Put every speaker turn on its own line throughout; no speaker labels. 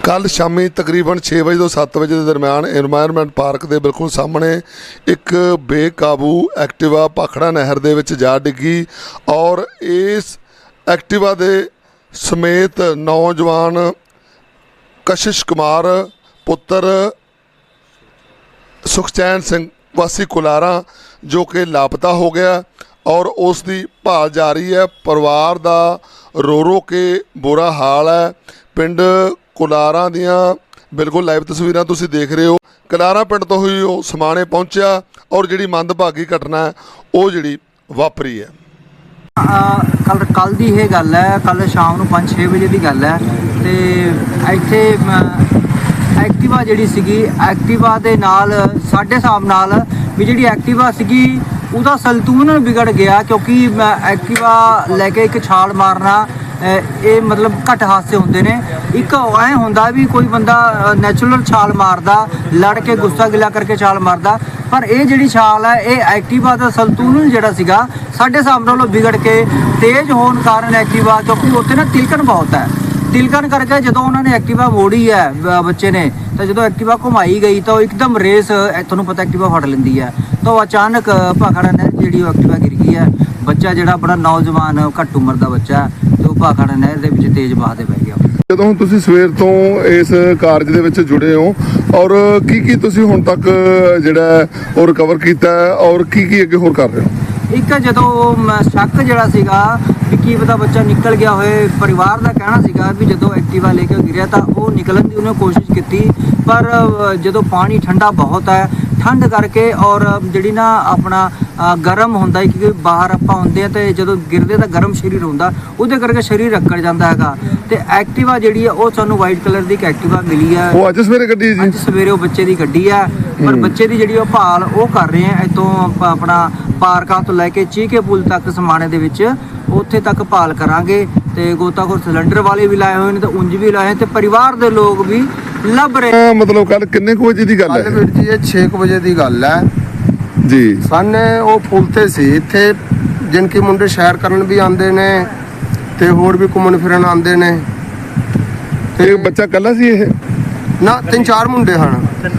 कल शामी तकरीबन 6 बजे तो 7 बजे के दरम्यान एनवायरनमेंट पार्क के बिल्कुल सामने एक बेकाबू एक्टिवा भाखड़ा नहर दे विच जा डिगी और इस एक्टिवा दे समेत नौजवान कशिश कुमार पुत्र सुखचैन सिंह वासी कुलारा जो कि लापता हो गया और उसकी भाल जारी है। परिवार का रो रो के बुरा हाल है। पिंड कुलारा दियाँ बिल्कुल लाइव तस्वीरां तुसीं देख रहे हो। कुलारा पिंड तो ही वो समाणे पहुंचा और जिहड़ी मंदभागी घटना है वो जिहड़ी वापरी है।
कल दी ये गल है, कल शाम नूं 5-6 बजे की गल है ते इत्थे एक्टिवा जिहड़ी सीगी एक्टिवा दे नाल साडे हिसाब नाल भी जिहड़ी एक्टिवा सीगी ਉਹਦਾ ਸੰਤੁਲਨ ਵਿਗੜ ਗਿਆ क्योंकि एक्टिवा लैके एक छाल मारना ये मतलब घट हादसे होंदे ने। एक ऐ हुंदा भी कोई बंदा नैचुरल छाल मारदा लड़ के गुस्सा गिला करके छाल मारदा, पर ये जिहड़ी छाल है ये एक्टिवा का संतुलन जिहड़ा सीगा साडे हिसाब नालों विगड़ के तेज़ होने कारण एक्टिवा, क्योंकि उत्थे ना तिलकन बहुत है, तिलकन करके जो उन्होंने एक्टिवा मोड़ी है बच्चे ने तो जो एक्टिवा घुमाई गई तो एकदम रेस थोड़ा पता एक्टिवा फड़ लेंदी है तो अचानक भाखड़ा नहर जी एक्टिवा गिर गई है। बच्चा जो बड़ा नौजवान घट उम्र का बच्चा तो भाखड़ा नहर के तेज़ बहा दे पै गया।
ਜਦੋਂ ਤੁਸੀਂ ਸਵੇਰ ਤੋਂ ਇਸ ਕਾਰਜ ਦੇ ਵਿੱਚ ਜੁੜੇ ਹੋ ਔਰ ਕੀ ਤੁਸੀਂ ਹੁਣ ਤੱਕ ਜਿਹੜਾ ਉਹ ਰਿਕਵਰ ਕੀਤਾ ਔਰ ਕੀ ਅੱਗੇ ਹੋਰ ਕਰ ਰਹੇ ਹੋ?
ਇੱਕ ਜਦੋਂ ਸ਼ੱਕ ਜਿਹੜਾ ਸੀਗਾ ਵੀ ਕੀ ਪਤਾ ਬੱਚਾ ਨਿਕਲ ਗਿਆ ਹੋਏ, ਪਰਿਵਾਰ ਦਾ ਕਹਿਣਾ ਸੀਗਾ ਵੀ ਜਦੋਂ ਐਕਟਿਵਾ ਲੈ ਕੇ ਗਿਰਿਆ ਤਾਂ ਉਹ ਨਿਕਲਣ ਦੀ ਉਹਨੇ ਕੋਸ਼ਿਸ਼ ਕੀਤੀ, ਪਰ ਜਦੋਂ ਪਾਣੀ ਠੰਡਾ ਬਹੁਤ ਹੈ ਠੰਡ ਕਰਕੇ ਔਰ ਜਿਹੜੀ ਨਾ ਆਪਣਾ ਗਰਮ ਹੁੰਦਾ ਹੈ ਕਿਉਂਕਿ ਬਾਹਰ ਆਪਾਂ ਹੁੰਦੇ ਆ ਤੇ ਜਦੋਂ ਗਿਰਦੇ ਤਾਂ ਗਰਮ ਸਰੀਰ ਹੁੰਦਾ ਉਹਦੇ ਕਰਕੇ ਸਰੀਰ ਅੱਕੜ ਜਾਂਦਾ ਹੈਗਾ। ਤੇ ਐਕਟਿਵਾ ਜਿਹੜੀ ਹੈ ਉਹ ਸਾਨੂੰ ਵਾਈਟ ਕਲਰ ਦੀ ਇੱਕ ਐਕਟਿਵਾ ਮਿਲੀ ਹੈ।
ਉਹ ਅੱਜ ਸਵੇਰੇ ਗੱਡੀ ਜੀ?
ਅੱਜ ਸਵੇਰੇ ਉਹ ਬੱਚੇ ਦੀ ਗੱਡੀ ਹੈ, ਪਰ ਬੱਚੇ ਦੀ ਜਿਹੜੀ ਉਹ ਭਾਲ ਉਹ ਕਰ ਰਹੇ ਆ ਇੱਥੋਂ ਆਪਣਾ ਪਾਰਕਾਂ ਤੋਂ ਲੈ ਕੇ ਚੀਕੇ ਪੁਲ ਤੱਕ ਸਮਾਣੇ ਦੇ ਵਿੱਚ ਉੱਥੇ ਤੱਕ ਭਾਲ ਕਰਾਂਗੇ ਤੇ ਗੋਤਾਖੋਰ ਸਿਲੰਡਰ ਵਾਲੇ ਵੀ ਲਾਏ ਹੋਏ ਨੇ ਤੇ ਉਂਝ ਵੀ ਲਾਏ ਤੇ ਪਰਿਵਾਰ ਦੇ ਲੋਕ ਵੀ ਲੱਭ ਰਹੇ।
ਮਤਲਬ ਕੱਲ ਕਿੰਨੇ ਕੁ ਵਜੇ ਦੀ ਗੱਲ ਹੈ?
ਵੀਰ ਜੀ ਇਹ 6 ਵਜੇ ਦੀ ਗੱਲ ਹੈ
ਜੀ।
ਸਾਨੇ ਉਹ ਪੁਲ ਤੇ ਸੀ, ਇੱਥੇ ਜਿਨਕੀ ਮੁੰਡੇ ਸੈਰ ਕਰਨ ਵੀ ਆਉਂਦੇ ਨੇ ਤੇ ਹੋਰ ਵੀ ਘੁੰਮਣ ਫਿਰਨ ਆਉਂਦੇ ਨੇ।
ਤੇ ਬੱਚਾ ਕੱਲਾ ਸੀ ਇਹ?
ਨਾ 3-4 ਮੁੰਡੇ ਹਨ,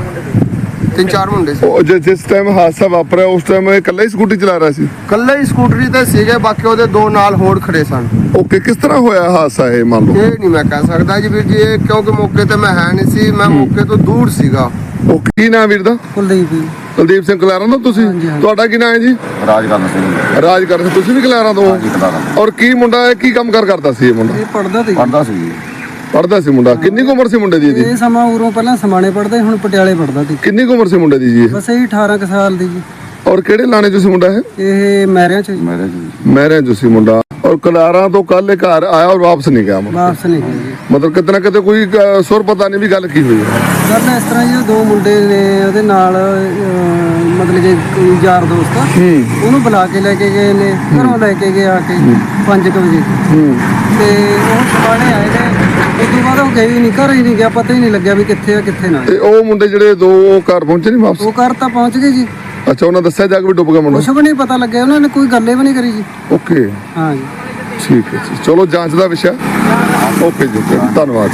3-4 ਮੁੰਡੇ ਸੀ।
ਉਹ ਜਿਸ ਟਾਈਮ ਹਾਦਸਾ ਵਾਪਰਿਆ ਉਸ ਟਾਈਮ ਇਹ ਇਕੱਲਾ ਹੀ ਸਕੂਟੀ ਚਲਾ ਰਿਹਾ ਸੀ?
ਇਕੱਲੇ ਹੀ ਸਕੂਟਰੀ ਤੇ ਸੀਗੇ, ਬਾਕੀ ਉਹਦੇ ਦੋ ਨਾਲ ਹੋਰ ਖੜੇ ਸਨ।
ਓਕੇ, ਕਿਸ ਤਰ੍ਹਾਂ ਹੋਇਆ ਹਾਦਸਾ ਇਹ ਮੰਨ ਲਓ?
ਇਹ ਨਹੀਂ ਮੈਂ ਕਹਿ ਸਕਦਾ ਜੀ ਵੀਰ ਜੀ, ਇਹ ਕਿਉਂਕਿ ਮੌਕੇ ਤੇ ਮੈਂ ਹੈ ਨਹੀਂ ਸੀ, ਮੈਂ ਮੌਕੇ ਤੋਂ ਦੂਰ ਸੀਗਾ।
ਉਹ ਕੀ ਨਾਮ ਵੀਰ ਦਾ? ਕੁਲਦੀਪ ਸਿੰਘ ਕਲਾਰਾਂ ਤੋਂ ਤੁਸੀਂ? ਤੁਹਾਡਾ ਕੀ ਨਾਮ ਹੈ ਜੀ?
ਰਾਜਕਰਨ ਸਿੰਘ।
ਰਾਜਕਰਨ ਸਿੰਘ, ਤੁਸੀਂ ਵੀ ਕਲਾਰਾਂ ਤੋਂ?
ਹਾਂਜੀ, ਕਲਾਰਾਂ।
ਔਰ ਕੀ ਮੁੰਡਾ ਹੈ, ਕੀ ਕੰਮ ਕਰਦਾ ਸੀ ਇਹ ਮੁੰਡਾ?
ਇਹ ਪੜਦਾ ਸੀ
ਪੜਦਾ ਸੀ ਮੁੰਡਾ। ਕਿੰਨੀ ਕੁ ਉਮਰ ਸੀ ਮੁੰਡੇ ਦੀ?
ਇਹ ਸਮਾਂ ਉਰੋਂ ਪਹਿਲਾਂ ਸਮਾਣੇ ਪੜਦਾ ਹੁਣ ਪਟਿਆਲੇ ਪੜਦਾ ਸੀ।
ਕਿੰਨੀ ਕੁ ਉਮਰ ਸੀ ਮੁੰਡੇ ਦੀ ਜੀ?
ਬਸ ਇਹ 18 ਕੁ ਸਾਲ ਦੀ ਜੀ।
ਔਰ ਕਿਹੜੇ ਲਾਣੇ ਚ ਸੀ ਮੁੰਡਾ
ਇਹ ਮਹਿਰਿਆਂ ਚ
ਮਹਿਰਿਆਂ ਚ ਸੀ ਮੁੰਡਾ। ਔਰ ਕਲਾਰਾਂ ਤੋਂ ਕੱਲ ਇਹ ਘਰ ਆਇਆ ਔਰ ਵਾਪਸ ਨਹੀਂ ਗਿਆ?
ਵਾਪਸ ਨਹੀਂ ਗਿਆ ਜੀ।
ਮਤਲਬ ਕਿਤੇ ਨਾ ਕਿਤੇ ਕੋਈ ਸੁਰ ਪਤਾ ਨਹੀਂ ਵੀ ਗੱਲ ਕੀ ਹੋਈ ਹੈ।
ਗੱਲ ਇਸ ਤਰ੍ਹਾਂ ਜੀ, ਦੋ ਮੁੰਡੇ ਨੇ ਉਹਦੇ ਨਾਲ ਮਤਲਬ ਕਿ ਕੋਈ ਯਾਰ ਦੋਸਤ ਆ, ਉਹਨੂੰ ਬੁਲਾ ਕੇ ਲੈ ਕੇ ਗਏ ਨੇ, ਘਰੋਂ ਲੈ ਕੇ ਗਏ ਆ ਕੇ 5 ਵਜੇ ਤੇ ਉਹ ਸਮਾਣੇ ਆਏ ਨੇ। ਉਸ ਤੋਂ ਬਾਅਦ ਉਹ ਗਏ ਹੀ ਨਹੀਂ, ਘਰ ਹੀ ਨਹੀਂ ਗਿਆ, ਪਤਾ ਹੀ ਨਹੀਂ ਲੱਗਿਆ ਵੀ ਕਿੱਥੇ ਆ ਕਿੱਥੇ ਨਾ।
ਤੇ ਉਹ ਮੁੰਡੇ ਜਿਹੜੇ ਦੋ ਘਰ ਪਹੁੰਚੇ ਨਹੀਂ ਵਾਪਸ?
ਉਹ ਘਰ ਤਾਂ ਪਹੁੰਚ ਗਏ ਜੀ।
ਅੱਛਾ, ਉਹਨਾਂ ਦੱਸਿਆ ਜਾ ਕੇ ਵੀ ਡੁੱਬ ਗਿਆ ਮੁੰਡਾ?
ਕੁਛ ਵੀ ਨਹੀਂ ਪਤਾ ਲੱਗਿਆ, ਉਹਨਾਂ ਨੇ ਕੋਈ ਗੱਲੇ ਵੀ ਨਹੀਂ ਕਰੀ ਜੀ।
ਓਕੇ,
ਹਾਂ ਜੀ,
ਠੀਕ ਹੈ ਜੀ। ਚਲੋ ਜਾਂਚ ਦਾ ਵਿਸ਼ਾ। ਓਕੇ ਜੀ, ਧੰਨਵਾਦ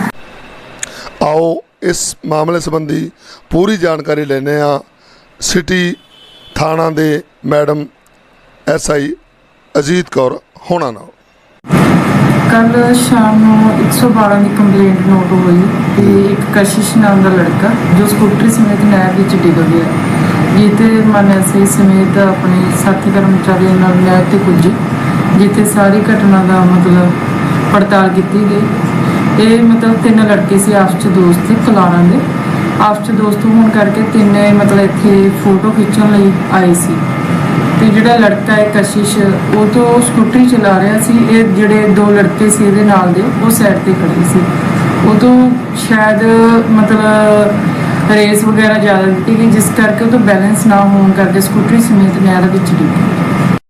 ਜੀ। ਆਓ ਇਸ ਮਾਮਲੇ ਸੰਬੰਧੀ ਪੂਰੀ ਜਾਣਕਾਰੀ ਲੈਣੇ ਆ ਸਿਟੀ ਥਾਣਾ ਦੇ ਮੈਡਮ SI ਅਜੀਤ ਕੌਰ ਹੋਣਾ ਨਾਲ।
ਕੱਲ ਸ਼ਾਮ ਨੂੰ 112 ਦੀ ਕੰਪਲੇਂਟ ਨੋਟ ਹੋਈ ਕਿ ਇੱਕ ਕਸ਼ਿਸ਼ ਨਾਮ ਦਾ ਲੜਕਾ ਜੋ ਸਕੂਟਰੀ ਸਮੇਤ ਨਹਿਰ ਵਿੱਚ ਡਿੱਗ ਗਿਆ, ਜਿੱਥੇ ਅਸੀਂ ਸਮੇਤ ਆਪਣੇ ਸਾਥੀ ਕਰਮਚਾਰੀਆਂ ਨਾਲ ਨਹਿਰ ਤੇ ਪੁੱਜੇ, ਜਿੱਥੇ ਸਾਰੀ ਘਟਨਾ ਦਾ ਮਤਲਬ ਪੜਤਾਲ ਕੀਤੀ ਗਈ। ਇਹ ਮਤਲਬ 3 ਲੜਕੇ ਸੀ, ਆਪਸ 'ਚ ਦੋਸਤ ਸੀ, ਕਲਾਰਾਂ ਦੇ ਆਪਸ 'ਚ ਦੋਸਤ ਹੋਣ ਕਰਕੇ ਤਿੰਨੇ ਮਤਲਬ ਇੱਥੇ ਫੋਟੋ ਖਿੱਚਣ ਲਈ ਆਏ ਸੀ। ਤੇ ਜਿਹੜਾ ਲੜਕਾ ਹੈ ਕਸ਼ਿਸ਼, ਉਹ ਤੋਂ ਸਕੂਟਰੀ ਚਲਾ ਰਿਹਾ ਸੀ। ਇਹ ਜਿਹੜੇ 2 ਲੜਕੇ ਸੀ ਇਹਦੇ ਨਾਲ ਦੇ ਉਹ ਸਾਈਡ ਤੇ ਖੜੇ ਸੀ। ਉਹ ਤੋਂ ਸ਼ਾਇਦ ਮਤਲਬ ਰੇਸ ਵਗੈਰਾ ਜ਼ਿਆਦਾ ਦਿੱਤੀ ਗਈ, ਜਿਸ ਕਰਕੇ ਉਹ ਤੋਂ ਬੈਲੈਂਸ ਨਾ ਹੋਣ ਕਰਕੇ ਸਕੂਟਰੀ ਸਮੇਤ ਨਹਿਰ ਵਿੱਚ ਡਿੱਗ ਗਈ।